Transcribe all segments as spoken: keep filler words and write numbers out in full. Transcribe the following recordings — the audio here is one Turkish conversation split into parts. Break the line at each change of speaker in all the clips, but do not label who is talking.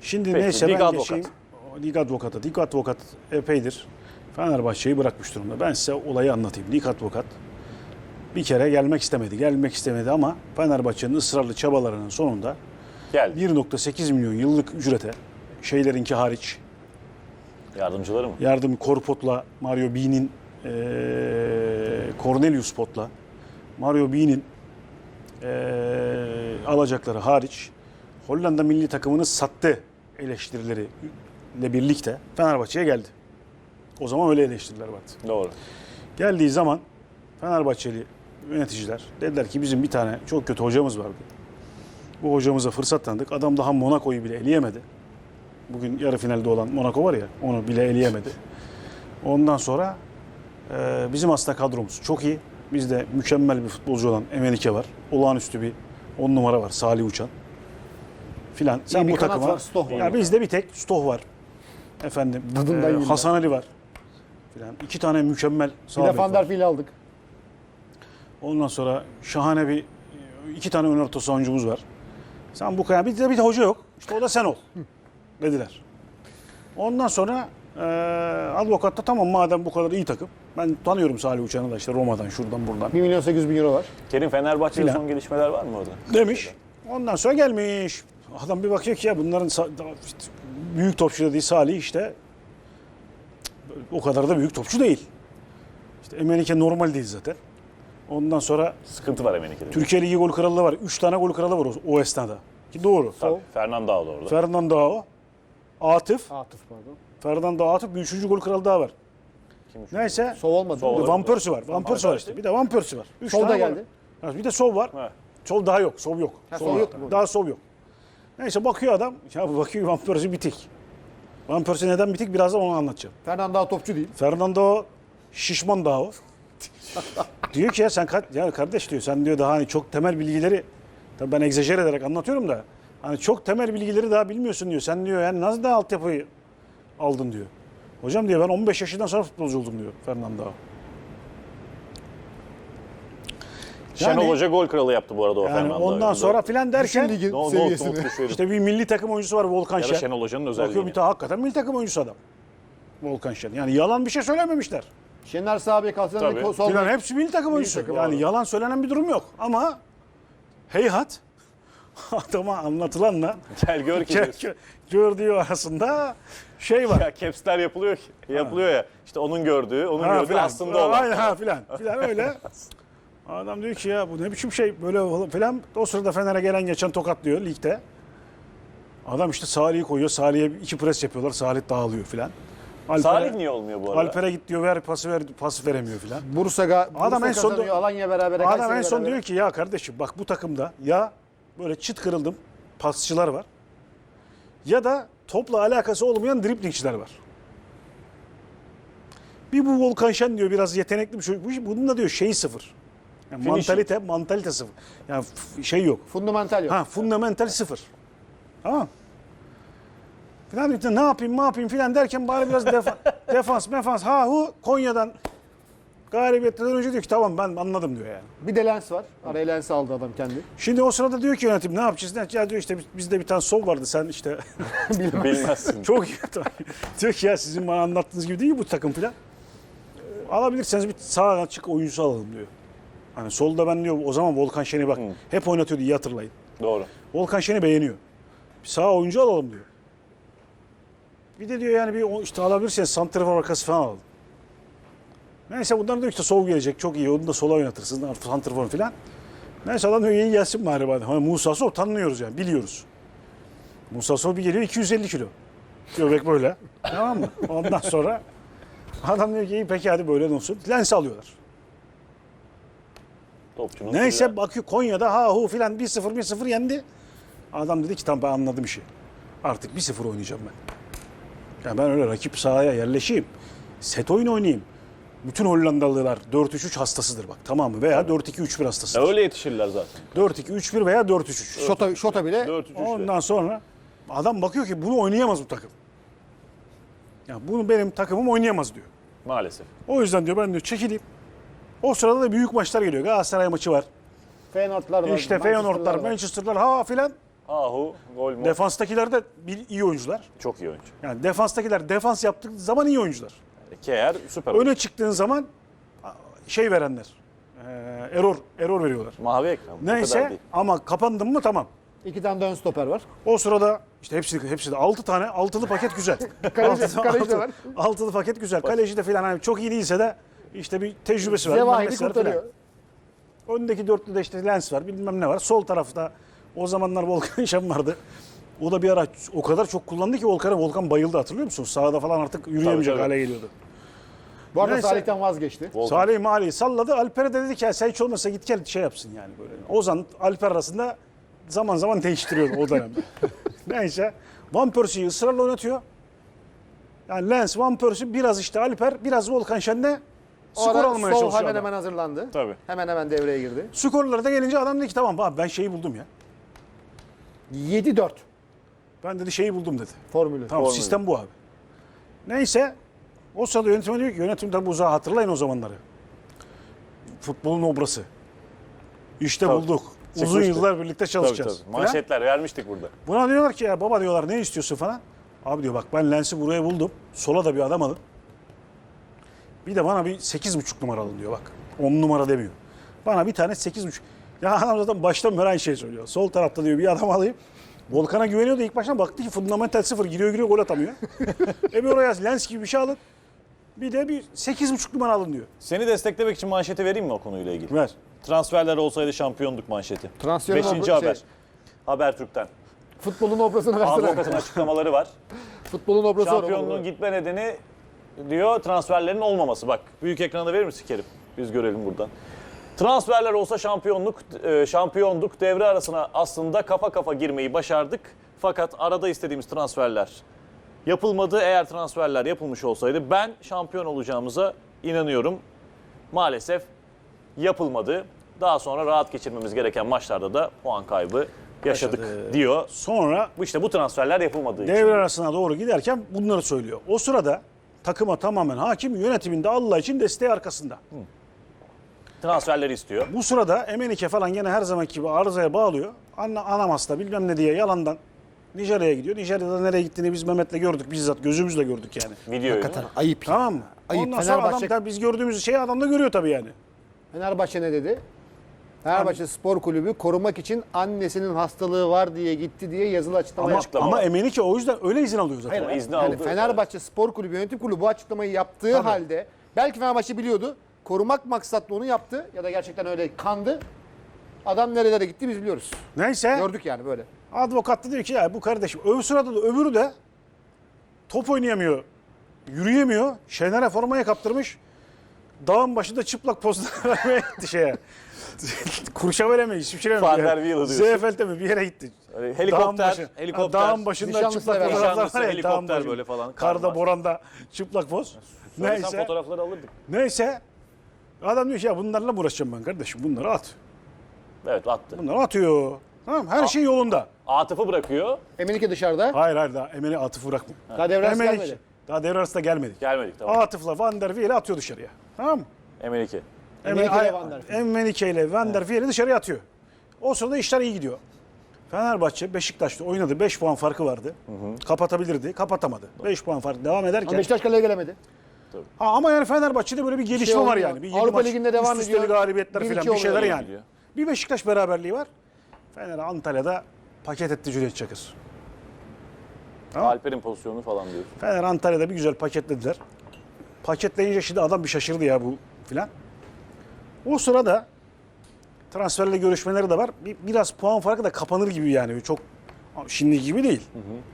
Şimdi
Peki,
neyse
lig
ben
advokatı.
geçeyim. Lig advokatı. Lig advokat epeydir Fenerbahçe'yi bırakmış durumda. Ben size olayı anlatayım. Lig advokat bir kere gelmek istemedi. Gelmek istemedi ama Fenerbahçe'nin ısrarlı çabalarının sonunda
Geldi.
bir nokta sekiz milyon yıllık ücrete, şeylerinki hariç,
Yardımcıları mı?
yardım Korpot'la, Mario B'nin eee Cornelius Pot'la, Mario B'nin eee alacakları hariç Hollanda milli takımını sattı eleştirileriyle birlikte Fenerbahçe'ye geldi. O zaman öyle eleştiriler vardı.
Doğru.
Geldiği zaman Fenerbahçeli yöneticiler dediler ki bizim bir tane çok kötü hocamız vardı. Bu hocamıza fırsat tanıdık. Adam daha Monaco'yu bile eleyemedi. Bugün yarı finalde olan Monaco var ya, onu bile eleyemedi. Ondan sonra e, bizim aslında kadromuz çok iyi. Bizde mükemmel bir futbolcu olan Emenike var. Olağanüstü bir on numara var, Salih Uçan filan. Sen
bir
bu
kanat
takıma
var, Stoh var.
ya bizde bir tek Stoh var. Efendim,
Tadından
e,
yiyeyim
Hasan Ali var filan. İki tane mükemmel
Bir
sağ
de
bek
Van
var.
der Fiel'i aldık.
Ondan sonra şahane bir iki tane ön orta savuncumuz var. Sen bu kadar bir de bir de hoca yok. İşte o da sen ol dediler. Ondan sonra e, advokat da tamam madem bu kadar iyi takım. Ben tanıyorum Salih Uçan'ı da işte Roma'dan şuradan buradan
bir milyon sekiz yüz bin euro var.
Kerim, Fenerbahçe'de
Filan.
son gelişmeler var mı orada?
demiş. Ondan sonra gelmiş. Adam bir bakıyor ki ya bunların sa- daha işte büyük topçu dediği Salih işte o kadar da büyük topçu değil. İşte Emenike normal değil zaten. Ondan sonra
Sıkıntı var Emenike'de.
Türkiye Ligi gol krallığı var. Üç tane gol kralı var o, o esnada. Ki doğru.
Tabii. Fernando da orada.
Fernando Ao, Atıf,
Atıf pardon.
Fernando Atıf bir üçüncü gol kralı daha var.
Kim üçüncü?
Neyse.
Sov olmadı.
Sov.
Bir de
Olur.
Van Persie var. Van Persie var işte. Bir de Van Persie var. Üç
Sol da
tane var.
geldi.
Ha, bir de Sov var.
Ha.
Sov daha yok. Sov yok.
Ha,
Sov
Sov yok mu?
Daha Sov yok. Neyse bakıyor adam. Ya bu bakıyor Van Persie bitik. Van Persie neden bitik? Birazdan onu anlatacağım.
Fernando daha topçu değil.
Fernando şişman daha o. Diyor ki ya sen ka- ya kardeş diyor sen diyor daha hani çok temel bilgileri tabii ben egzajer ederek anlatıyorum da hani çok temel bilgileri daha bilmiyorsun diyor. Sen diyor yani nasıl da altyapıyı aldın diyor. Hocam diyor ben on beş yaşından sonra futbolcu oldum diyor Fernando.
Şenol
Yani-
Hoca gol kralı yaptı bu arada o
Yani
Fernando.
ondan sonra filan derken
Düşün ligin
No, no,
seviyesini.
not düşelim.
işte bir milli takım oyuncusu var Volkan
Ya da
Şen.
Şenol Hoca'nın
Bakıyor
özelliği.
bir tane hakikaten milli takım oyuncusu adam. Volkan Şen. Yani yalan bir şey söylememişler.
Şener sağ bek, Hasan
Tabii.
Ali sol
Filan
bek.
hepsi milli takım oyuncusu.
takım
yani
abi.
yalan söylenen bir durum yok. Ama heyhat adama anlatılanla
Gel gör ki. diyorsun.
gördüğü arasında şey var.
Ya capsler yapılıyor ki. Yapılıyor ya. İşte onun gördüğü, onun
Ha,
gördüğü
filan.
aslında olan.
Aynen ha filan. Filan öyle. Adam diyor ki ya bu ne biçim şey böyle filan. O sırada Fener'e gelen geçen tokatlıyor ligde. Adam işte Salih'i koyuyor. Salih'e iki pres yapıyorlar. Salih dağılıyor filan. Alper'e-
Salih niye olmuyor bu arada?
Alper'e git diyor ver pası ver pası veremiyor filan.
Bursa, Ga- Bursa
Adam en son
kazanıyor. Alanya beraber.
Adam en son diyor ki ya kardeşim bak bu takımda ya böyle çıt kırıldım pasçılar var ya da topla alakası olmayan driblingçiler var. Bir bu Volkan Şen diyor biraz yetenekli bir çocuk. Bu- Bunun da diyor şeyi sıfır. Yani
Finishing.
mantalite, mantalite sıfır. Yani f- şey yok.
Fundamental yok.
Ha, fundamental sıfır. Tamam. Filan diyor, ne yapayım ne yapayım filan derken bari biraz defa, defans mefans ha hu Konya'dan galibiyetten önce diyor ki tamam ben anladım diyor yani.
Bir de Lens var. Araya Lens aldı adam kendi.
Şimdi o sırada diyor ki yönetim ne yapacağız? Ne? Ya diyor işte bizde bir tane sol vardı sen işte
Bilmezsin.
çok iyi. Diyor ki ya sizin bana anlattığınız gibi değil bu takım filan. Ee, Alabilirseniz bir sağ açık oyuncusu alalım diyor. Hani solda ben diyor o zaman Volkan Şen'i bak hep oynatıyordu iyi hatırlayın.
Doğru.
Volkan Şen'i beğeniyor. Bir sağ oyuncu alalım diyor. Bir de diyor yani bir o- işte alabilirseniz santrafor arkası falan alalım. Neyse bunlar diyor işte sol gelecek çok iyi onu da sola oynatırsın santrafor falan. Neyse adam diyor iyi gelsin bari bari. Hani Musa Sol tanıyoruz yani biliyoruz. Musa Sol bir geliyor iki yüz elli kilo. Göbek böyle. Tamam mı? Ondan sonra adam diyor ki iyi peki hadi böyle olsun. Lens alıyorlar.
Topçunun
Neyse
sırrı.
bakıyor Konya'da ha hu filan bir sıfır bir sıfır yendi. Adam dedi ki tamam ben anladım işi. Artık bir sıfır oynayacağım ben. Yani ben öyle rakip sahaya yerleşeyim. Set oyun oynayayım. Bütün Hollandalılar dört üç üç hastasıdır bak tamam mı? Veya dört iki üç bir hastasıdır.
Ya öyle yetişirler zaten.
dört iki üç bir veya dört üç üç.
Şota, Şota bile
dört üç üç.
Ondan sonra adam bakıyor ki bunu oynayamaz bu takım. Ya bunu benim takımım oynayamaz diyor.
Maalesef.
O yüzden diyor ben diyor çekileyim. O sırada da büyük maçlar geliyor. Galatasaray maçı var.
Feyenoordlar var.
İşte Feyenoordlar,
Manchester'lar var.
Manchester'lar ha filan.
Ahu, gol mu?
Defanstakiler de bir iyi oyuncular.
Çok iyi oyuncu.
Yani defanstakiler defans yaptığı zaman iyi oyuncular.
Keyer süper oyuncu.
Öne çıktığın zaman şey verenler. E, error error veriyorlar.
Mavi ekran. bu kadar
Neyse
değil.
ama kapandın mı tamam.
İki tane de ön stoper var.
O sırada işte hepsi hepsi de altı tane altılı paket güzel.
Kaleci-
Altılı-
kaleci de
altı-
var.
Altılı paket güzel. Kaleci de filan hani çok iyi değilse de işte bir tecrübesi var. bilmem
Zevahiri
nesi var filan.
kurtarıyor.
Öndeki dörtlüde işte Lens var bilmem ne var. Sol tarafta o zamanlar Volkan Şen vardı. O da bir ara o kadar çok kullandı ki Volkan'a Volkan bayıldı hatırlıyor musun? Sahada falan artık yürüyemeyecek
Tabii, tabii.
hale geliyordu.
Bu arada
Neyse.
Salih'ten vazgeçti.
Volkan.
Salih Mali'yi salladı. Alper'e de dedi ki ya sen hiç olmasa git gel şey yapsın yani böyle. Ozan Alper arasında zaman zaman değiştiriyordu o dönemde. Neyse. Van Persie'yi ısrarla oynatıyor. Yani Lens, Van Persie biraz işte Alper, biraz Volkan Şen'de
O
skor
ara
almaya
sol
çalışıyor
hemen
adam.
hemen hazırlandı.
Tabii.
Hemen hemen devreye girdi.
Skorlara da gelince adam dedi ki tamam abi ben şeyi buldum ya.
yedi dört
Ben dedi şeyi buldum dedi.
formülü.
Tamam
Formülü.
sistem bu abi. Neyse o sırada yönetime diyor ki yönetim tabi uzağa hatırlayın o zamanları. Futbolun obrası. İşte
Tabii.
bulduk. Uzun
Çıkmıştı.
yıllar birlikte
Tabii,
çalışacağız.
tabii.
Falan.
Manşetler vermiştik burada.
Buna diyorlar ki ya baba diyorlar ne istiyorsun falan. Abi diyor bak ben Lens'i buraya buldum. Sola da bir adam alın. Bir de bana bir sekiz buçuk numara alın diyor bak. on numara demiyor. Bana bir tane sekiz buçuk. Ya adam zaten baştan beri aynı şey söylüyor. Sol tarafta diyor bir adam alayım. Volkan'a güveniyordu ilk baştan baktı ki fundamental sıfır giriyor giriyor gol atamıyor. e bir oraya Lens gibi bir şey alın. Bir de bir sekiz buçuk numara alın diyor.
Seni desteklemek için manşeti vereyim mi o konuyla ilgili?
Ver.
Transferler olsaydı şampiyonduk manşeti.
Transferin
Beşinci
obra-
haber.
şey,
Habertürk'ten.
futbolun obrasını versene.
Advokatın açıklamaları var.
Futbolun obrası var.
Şampiyonluğun gitme nedeni diyor transferlerin olmaması. Bak büyük ekranda verir misin Kerim? Biz görelim buradan. Transferler olsa şampiyonluk e, şampiyonduk. Devre arasına aslında kafa kafa girmeyi başardık. Fakat arada istediğimiz transferler yapılmadı. Eğer transferler yapılmış olsaydı ben şampiyon olacağımıza inanıyorum. Maalesef yapılmadı. Daha sonra rahat geçirmemiz gereken maçlarda da puan kaybı yaşadık
Yaşadı.
diyor.
Sonra
Bu işte bu transferler yapılmadığı için.
devre arasına doğru giderken bunları söylüyor. O sırada takıma tamamen hakim yönetiminde Allah için desteği arkasında.
Transferleri istiyor.
Bu sırada Emenike falan gene her zamanki gibi arızaya bağlıyor. Anna, Anamas'ta bilmem ne diye yalandan Nijerya'ya gidiyor. Nijerya'da nereye gittiğini biz Mehmet'le gördük. Bizzat gözümüzle gördük yani.
Videoyu.
Hakikaten ayıp. ya.
Tamam mı?
Ayıp.
Ondan sonra adam
Fenerbahçe,
tabii biz gördüğümüz şeyi adam da görüyor tabii yani.
Fenerbahçe ne dedi? Fenerbahçe Spor Kulübü korumak için annesinin hastalığı var diye gitti diye yazılı açıklama
Ama,
yaptı.
açıklama
ama
var.
Emenike o yüzden öyle izin alıyor zaten.
Hayır,
Ama izni
yani
aldı.
Fenerbahçe Spor Kulübü yönetim kurulu bu açıklamayı yaptığı
Tabii.
halde belki Fenerbahçe biliyordu. Korumak maksatlı onu yaptı ya da gerçekten öyle kandı. Adam nerelere gitti biz biliyoruz.
Neyse
Gördük yani böyle.
avukat da diyor ki ya bu kardeşim öbür sırada da öbürü de top oynayamıyor. Yürüyemiyor. Şener'e formayı kaptırmış. Dağın başında çıplak pozlar vermeye gitti şeye. Kurşavele mi? İsviçre mi?
Van der Wiel'e diyorsun.
Zeyfeld'e mi? Bir yere gitti.
Öyle
Dağın
helikopter,
başı-
helikopter.
Ha, Dağın başında
Nişanlısı
çıplak
beraber.
fotoğraflar
Nişanlısı,
var ya.
helikopter
dağın başında.
böyle falan,
Karda,
kar var.
boranda çıplak poz.
Söylesen
Neyse.
fotoğrafları alırdık.
Neyse. Adam diyor ki ya bunlarla mı uğraşacağım ben kardeşim? Bunları at.
Evet attı.
Bunları atıyor. Tamam her şey yolunda.
Atıf'ı bırakıyor.
Emenike dışarıda.
Hayır hayır daha Emel'i Atıf'ı bırakma.
Daha devre arası
Emel'i-
gelmedi.
Daha devre arasında gelmedik.
Gelmedik tamam.
Atıf'la Van der Wiel'i atıyor dışarıya. Tamam mı?
Emenike.
Emenike
Emel-
ile Van der Wiel.
Emenike ile Van der Wiel'i dışarıya atıyor. O sırada işler iyi gidiyor. Fenerbahçe Beşiktaş'ta oynadı. beş puan farkı vardı. Kapatabilirdi. Kapatamadı. beş puan fark devam
Ama
ederken.
Beşiktaş kaleye gelemedi.
Ha, ama yani Fenerbahçe'de böyle bir gelişme
şey
var
oluyor.
yani. Bir yedi
Avrupa
maç
Ligi'nde devam
üst üste
ediyor.
galibiyetler
Bir
falan
iki
bir şeyler
oluyor.
yani.
Gidiyor.
Bir Beşiktaş beraberliği var. Fener Antalya'da paket etti Cüneyt Çakır. Tamam.
Alper'in pozisyonu falan diyor.
Fener Antalya'da bir güzel paketlediler. Paketleyince şimdi adam bir şaşırdı ya bu filan. O sırada transferle görüşmeleri de var. Bir, biraz puan farkı da kapanır gibi yani. Çok şimdi gibi değil.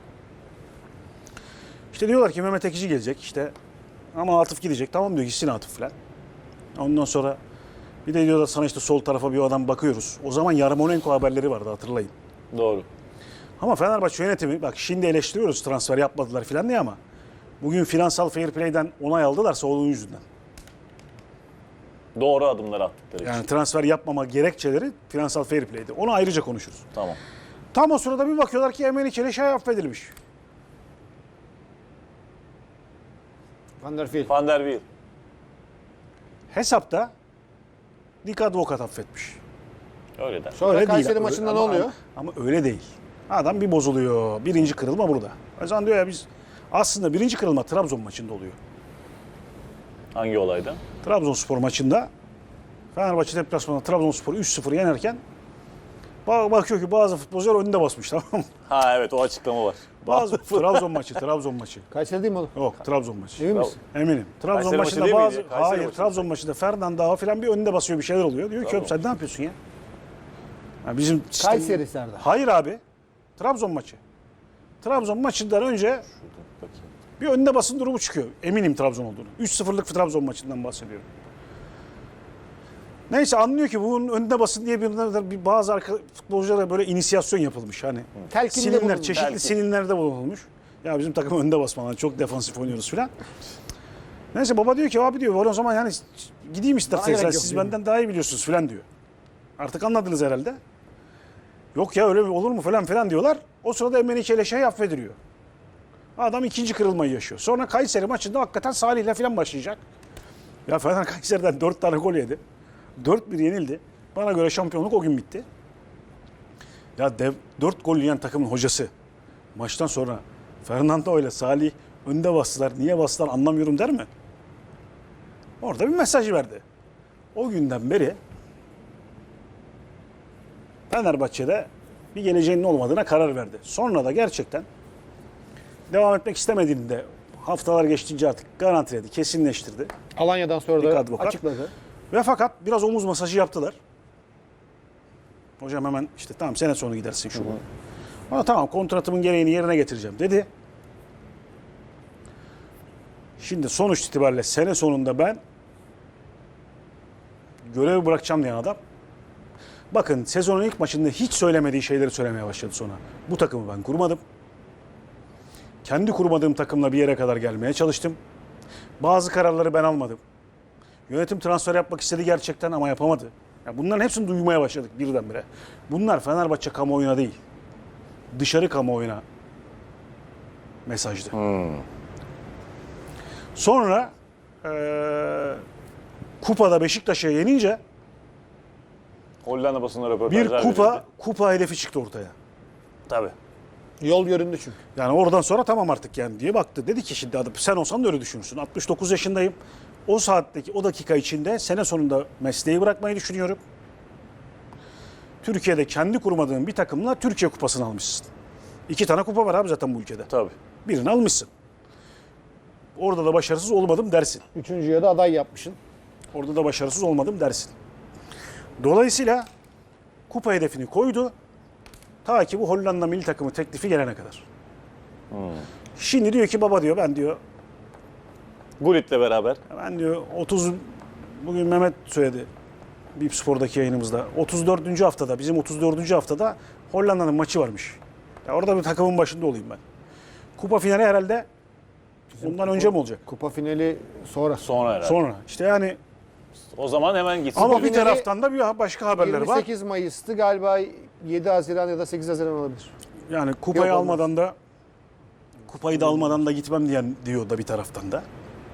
İşte diyorlar ki Mehmet Ekici gelecek işte. Ama Atıf gidecek. Tamam diyor gitsin Atıf filan. Ondan sonra bir de diyorlar sana işte sol tarafa bir adam bakıyoruz. O zaman Yarmolenko haberleri vardı hatırlayın.
Doğru.
Ama Fenerbahçe yönetimi bak şimdi eleştiriyoruz transfer yapmadılar filan diye ama bugün finansal fair play'den onay aldılarsa onun yüzünden.
Doğru adımlar attıkları
Yani
için.
transfer yapmama gerekçeleri finansal fair play'di. Onu ayrıca konuşuruz.
Tamam.
Tam o sırada bir bakıyorlar ki Emenike ile şey affedilmiş.
Van der Fiel.
Van der Wiel.
Hesapta Dik Advokat affetmiş.
Öyle der.
Sonra
Öyle
Kayseri
değil.
maçında
Ama-
ne oluyor?
Ama, ama öyle değil. Adam bir bozuluyor. Birinci kırılma burada. O zaman diyor ya biz aslında birinci kırılma Trabzon maçında oluyor.
Hangi olayda?
Trabzonspor maçında Fenerbahçe deplasmanında Trabzonspor'u üç sıfır yenerken bak- bakıyor ki bazı futbolcular önünde basmış, tamam mı?
Ha evet, o açıklama var.
Bazı Trabzon maçı, Trabzon maçı.
Kayseri değil mi oğlum?
Yok, Trabzon maçı.
Emin misin?
Eminim. Trabzon
Kayseri maçı
maçında
değil
bazı
miydi? Kayseri
hayır
maçı.
Trabzon maçında Fernando falan bir önünde basıyor, bir şeyler oluyor. Diyor ki oğlum sen ne yapıyorsun ya? Ya bizim sistem-
Kayseri Serdar.
Hayır abi. Trabzon maçı. Trabzon maçından önce
Bakayım.
bir önde basın durumu çıkıyor. Eminim Trabzon olduğunu. üç sıfırlık Trabzon maçından bahsediyorum. Neyse anlıyor ki bunun önde basın diye bir, bir bazı arka, futbolculara böyle inisiyasyon yapılmış. Hani
Telkinde
sinirler,
bulunmuş.
çeşitli
Telkin.
sinirlerde bulunulmuş. Ya bizim takım önde basmalar, çok defansif oynuyoruz filan. Neyse baba diyor ki abi diyor o zaman yani gideyim isterseniz
gerek
yani
yok
siz
diyor.
benden daha iyi biliyorsunuz filan diyor. Artık anladınız herhalde. Yok ya öyle mi olur mu falan filan diyorlar. O sırada Emenike ile şey affediliyor. Adam ikinci kırılmayı yaşıyor. Sonra Kayseri maçında hakikaten Salih ile falan başlayacak. Ya Fener Kayseri'den dört tane gol yedi. dört bir yenildi. Bana göre şampiyonluk o gün bitti. Ya dev, dört gol yiyen takımın hocası maçtan sonra Fernando ile Salih önde bastılar. Niye bastılar anlamıyorum der mi? Orada bir mesaj verdi. O günden beri Fenerbahçe'de bir geleceğinin olmadığına karar verdi. Sonra da gerçekten devam etmek istemediğini de haftalar geçtikçe artık garantiledi, kesinleştirdi.
Alanya'dan sonra
Bir
da
advokat.
açıkladı.
Ve fakat biraz omuz masajı yaptılar. Hocam hemen işte tamam sene sonu gidersin şu bu. Ama tamam kontratımın gereğini yerine getireceğim dedi. Şimdi sonuç itibariyle sene sonunda ben görevi bırakacağım diyen adam. Bakın sezonun ilk maçında hiç söylemediği şeyleri söylemeye başladı sonra. Bu takımı ben kurmadım. Kendi kurmadığım takımla bir yere kadar gelmeye çalıştım. Bazı kararları ben almadım. Yönetim transfer yapmak istedi gerçekten ama yapamadı. Ya bunların hepsini duymaya başladık birdenbire. Bunlar Fenerbahçe kamuoyuna değil, dışarı kamuoyuna mesajdı.
Hmm.
Sonra eee kupada Beşiktaş'a yenince
Hollanda basında
bir
röportajlar
kupa
verildi.
kupa hedefi çıktı ortaya.
Tabii.
Yol göründü çünkü.
Yani oradan sonra tamam artık yani diye baktı. Dedi ki şimdi adam sen olsan da öyle düşünürsün. altmış dokuz yaşındayım. O saatteki o dakika içinde sene sonunda mesleği bırakmayı düşünüyorum. Türkiye'de kendi kurmadığın bir takımla Türkiye kupasını almışsın. İki tane kupa var abi zaten bu ülkede.
Tabii.
Birini almışsın. Orada da başarısız olmadım dersin.
Üçüncüye de aday yapmışsın.
Orada da başarısız olmadım dersin. Dolayısıyla kupa hedefini koydu. Ta ki bu Hollanda milli takımı teklifi gelene kadar. Şimdi diyor ki baba diyor ben diyor
Gullit'le beraber.
ben diyor otuz bugün Mehmet söyledi Bip Spor'daki yayınımızda. otuz dördüncü haftada bizim otuz dördüncü haftada Hollanda'nın maçı varmış. Ya orada bir takımın başında olayım ben. Kupa finali herhalde ondan önce mi olacak?
Kupa finali sonra.
Sonra herhalde.
Sonra. İşte yani
O zaman hemen gitsin.
ama
Kupa
bir
finali
taraftan da bir başka haberler
yirmi
var.
sekiz Mayıs'tı galiba, yedi Haziran ya da sekiz Haziran olabilir.
Yani kupayı
Yok, olmaz.
almadan da kupayı da almadan da gitmem diyen diyor da bir taraftan da.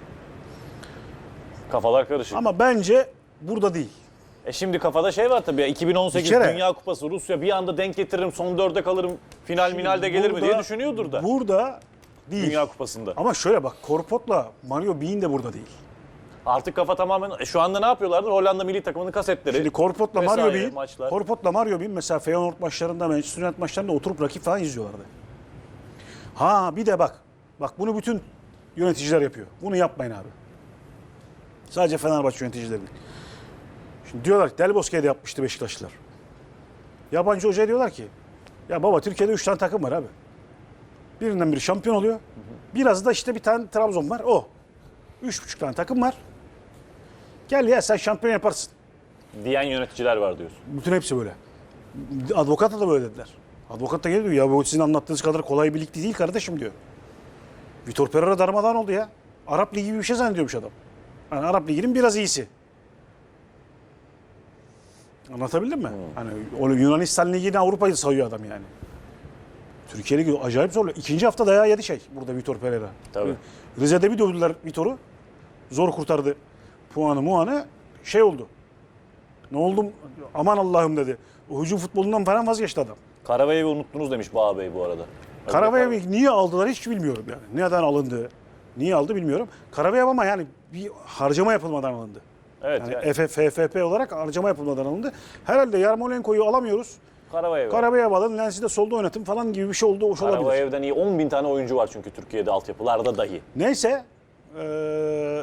Kafalar karışık.
Ama bence burada değil.
E şimdi kafada şey var tabii ya, iki bin on sekiz
Bir kere-
Dünya Kupası Rusya bir anda denk getiririm, son dörde kalırım, final minalde gelir mi
Burada-
diye düşünüyordur da
Burada değil.
Dünya Kupası'nda.
Ama şöyle bak Korpot'la Mario Bean de burada değil.
Artık kafa tamamen e şu anda ne yapıyorlardır? Hollanda milli takımının kasetleri.
Şimdi Korpot'la
vesaire,
Mario Bean,
maçlar.
Korpot'la Mario Bean mesela Feyenoord maçlarında, Manchester United maçlarında oturup rakip falan izliyorlardı. Ha bir de bak. Bak bunu bütün yöneticiler yapıyor. Bunu yapmayın abi. Sadece Fenerbahçe yöneticileri değil. Şimdi diyorlar ki Del Bosque'de de yapmıştı Beşiktaşlılar. Yabancı hocaya diyorlar ki ya baba Türkiye'de üç tane takım var abi. Birinden biri şampiyon oluyor. Biraz da işte bir tane Trabzon var. O. Üç buçuk tane takım var. Gel ya sen şampiyon yaparsın.
diyen yöneticiler var diyorsun.
Bütün hepsi böyle. Advokata da böyle dediler. Advokat da geliyor ya bu sizin anlattığınız kadar kolay bir lig değil kardeşim diyor. Vitor Pereira darmadağın oldu ya. Arap Ligi gibi bir şey zannediyormuş adam. Yani Arap Ligi'nin biraz iyisi. Anlatabildim mi? Hani o Yunanistan Ligi'ni Avrupa'yı sayıyor adam yani. Türkiye Ligi acayip zorluyor. İkinci hafta dayağı yedi şey burada Vitor Pereira.
Tabii.
Rize'de bir dövdüler Vitor'u. Zor kurtardı puanı muanı. Şey oldu. Ne oldum? Aman Allah'ım dedi. O hücum futbolundan falan vazgeçti adam.
Karabayev'i unuttunuz demiş Bağ Bey bu arada.
Karabayev'i niye aldılar hiç bilmiyorum yani. Neden alındı? Niye aldı bilmiyorum. Karabayev ama yani bir harcama yapılmadan alındı.
Evet.
Yani
Yani,
F F P olarak harcama yapılmadan alındı. Herhalde Yarmolenko'yu alamıyoruz.
Karabayev.
Karabayev alın, Lens'i de solda oynatın falan gibi bir şey oldu. Hoş olabilir.
Karabayev'den iyi on bin tane oyuncu var çünkü Türkiye'de altyapılarda dahi.
Neyse. Ee,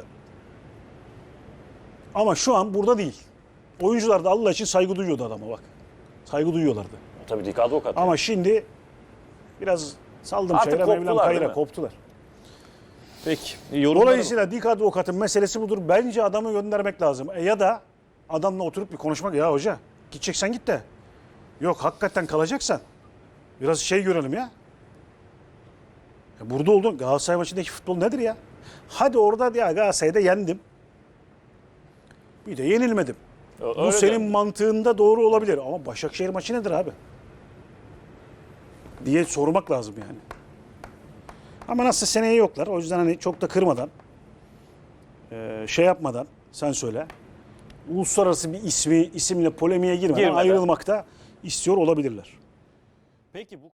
ama şu an burada değil. Oyuncular da Allah için saygı duyuyordu adama bak. Saygı duyuyorlardı.
Tabii Dik Advokat.
Ama şimdi biraz saldım
Artık
çayıra, Mevlam
koptular, değil
kayıra
mi?
koptular.
Peki. Yorumlarım.
Dolayısıyla Dik Advokat'ın meselesi budur. Bence adamı göndermek lazım. E ya da adamla oturup bir konuşmak. Ya hoca gideceksen git de. Yok hakikaten kalacaksan biraz şey görelim ya. Ya burada oldun. Galatasaray maçındaki futbol nedir ya? Hadi orada ya Galatasaray'da yendim. Bir de yenilmedim.
Öyle
Bu senin
de.
mantığında doğru olabilir. Ama Başakşehir maçı nedir abi? Diye sormak lazım yani. Ama nasıl seneye yoklar. O yüzden hani çok da kırmadan, e, şey yapmadan sen söyle. Uluslararası bir ismi isimle polemiğe girmeden
Girmeden.
ayrılmakta istiyor olabilirler.
Peki bu